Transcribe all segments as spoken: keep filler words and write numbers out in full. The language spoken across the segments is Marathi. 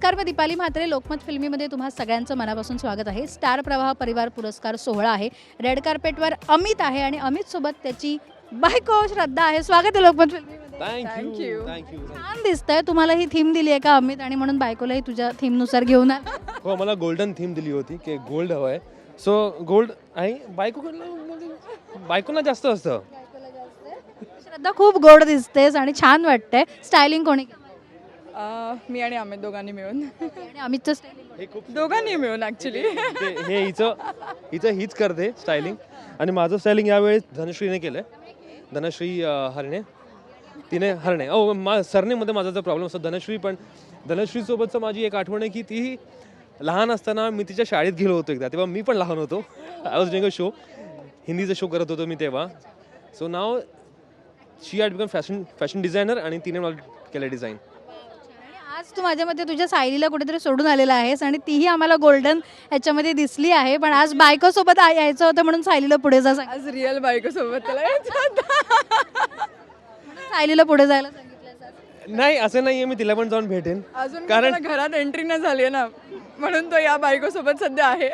नमस्कार, मी दीपाली म्हात्रे. लोकमत फिल्मीमध्ये तुम्हा सगळ्यांचं मनापासून स्वागत आहे. स्टार प्रवाह परिवार पुरस्कार सोहळा आहे. रेड कार्पेटवर अमित आहे आणि अमित सोबत त्याची बायको श्रद्धा आहे. स्वागत आहे लोकमत फिल्मीमध्ये. थँक्यू थँक्यू छान दिसतंय. तुम्हाला ही थीम दिली आहे का अमित, आणि म्हणून बायकोलाही तुझ्या थीमनुसार घेऊन आला? हो, मला गोल्डन थीम दिली होती की गोल्ड हवं आहे. सो गोल्ड आहे. बायको बायकोला जास्त असतं. श्रद्धा खूप गोड दिसतेस आणि छान वाटतंय. स्टायलिंग कोणी केलं? अ, मी आणि अमित दोघांनी मिळून आणि अमितचं स्टायलिंग हे खूप दोघांनी मिळून ॲक्च्युली ते- हे हिचं हिचं हीच करते स्टायलिंग, आणि माझं स्टायलिंग यावेळेस धनश्रीने केलं आहे. धनश्री अं, हरणे तिने हरणे ओ मा सरनेमध्ये माझा जो प्रॉब्लेम असतो धनश्री. पण धनश्रीसोबतचं माझी एक आठवण आहे की ती लहान असताना मी तिच्या शाळेत गेलो होतो एकदा. तेव्हा मी पण लहान होतो. I was doing a show, हिंदीचा शो करत होतो मी तेव्हा. So now she had become fashion fashion designer, आणि तिने मला केलं डिझाईन. आज तू माझ्या मते तुझ्या सायलीला कुठेतरी सोडून आलेला आहेस, आणि तीही आम्हाला गोल्डन ह्याच्यामध्ये दिसली आहे. पण आज बायको सोबत आ- यायचं होतं म्हणून सायलीला पुढे जा सांग आज रिअल बायको सोबत त्याला यायचं होतं. सायलीला पुढे जायला सांगितलं. नाही, असं नाहीये, मी तिला पण जाऊन भेटेन. अजून कारण- कारण घरात एंट्री नाही झाली आहे ना, म्हणून तो या बायको सोबत सध्या आहे.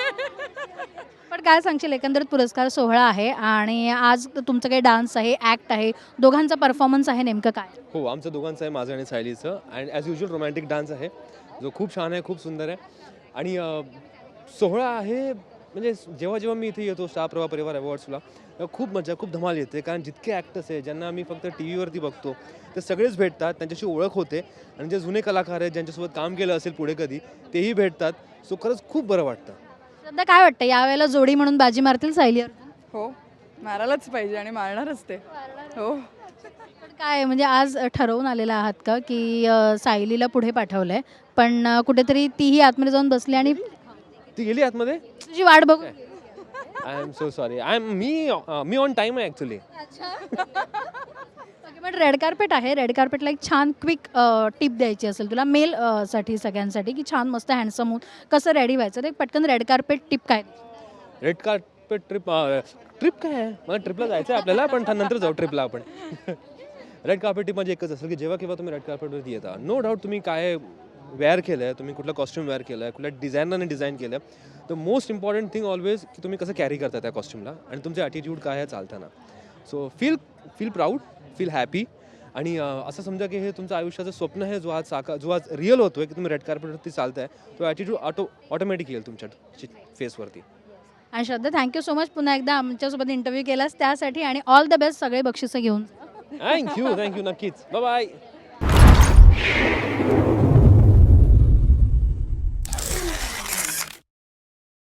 पण काय सांगशील, एकंदरीत पुरस्कार सोहळा आहे आणि आज तुमचं काही डान्स आहे, ॲक्ट आहे, दोघांचा परफॉर्मन्स आहे, नेमकं काय? हो, आमचं दोघांचं आहे, माझं आणि सायलीचं. And as usual romantic dance आहे, जो खूप छान आहे, खूप सुंदर आहे. आणि अं, सोहळा आहे. म्हणजे जेव्हा जेव्हा मी इथे येतो स्टार प्रवाह परिवार अवॉर्ड्सला, तेव्हा खूप मजा, खूप धमाल येते. कारण जितके ॲक्टर्स आहे ज्यांना आम्ही फक्त टी व्हीवरती बघतो, ते सगळेच भेटतात, त्यांच्याशी ओळख होते. आणि जे जुने कलाकार आहेत ज्यांच्यासोबत काम केलं असेल पुढे कधी, तेही भेटतात. सो खरंच खूप बरं वाटतं. सध्या काय वाटतं, यावेळेला जोडी म्हणून बाजी मारतील सायली अर्जुन? हो, मारायलाच पाहिजे आणि मारणारच ते. हो, पण काय म्हणजे आज ठरवून आलेला आहात का की अ, सायलीला पुढे पाठवलंय, पण अ, कुठेतरी तीही आतमध्ये जाऊन बसली आणि ती गेली आतमध्ये. तुझी वाट बघू? I am so sorry. I am मी मी ऑन टाईम आहे ॲक्च्युली. पण रेड कार्पेट आहे. रेड कार्पेटला एक छान क्विक टिप द्यायची असेल तुला, मेल अ, साठी सगळ्यांसाठी, की छान मस्त हँडसम होऊन कसं रेडी व्हायचं, ते पटकन रेड कार्पेट टिप काय? रेड कार्पेट ट्रिप ट्रिप काय आहे? मला ट्रिपला जायचं आहे आपल्याला, पण नंतर जाऊ ट्रिपला आपण. रेड कार्पेट टिप म्हणजे एकच असेल की जेव्हा केव्हा तुम्ही रेड कार्पेटवरती येता, नो डाऊट तुम्ही काय वेअर केलं आहे, तुम्ही कुठलं कॉस्ट्यूम वेअर केलं आहे, कुठल्या डिझायनरने डिझाईन केलं आहे. The most important thing always की तुम्ही कसं कॅरी करता त्या कॉस्ट्यूमला, आणि तुमचे ॲटिट्यूड काय आहे चालताना. So feel feel proud, feel happy. आणि अं, असं समजा की हे तुमचं आयुष्याचं स्वप्न आहे, जो आज साका जो आज रिअल होतो आहे की तुम्ही रेड कार्पेटवरती चालताय, तो ॲटिट्यूड ऑटो ऑटोमॅटिक येईल तुमच्या फेसवरती. आणि श्रद्धा, थँक्यू सो मच पुन्हा एकदा आमच्यासोबत इंटरव्ह्यू केलास त्यासाठी, आणि ऑल द बेस्ट. सगळे बक्षिसं घेऊन जा. थँक्यू थँक्यू नक्कीच. Bye bye.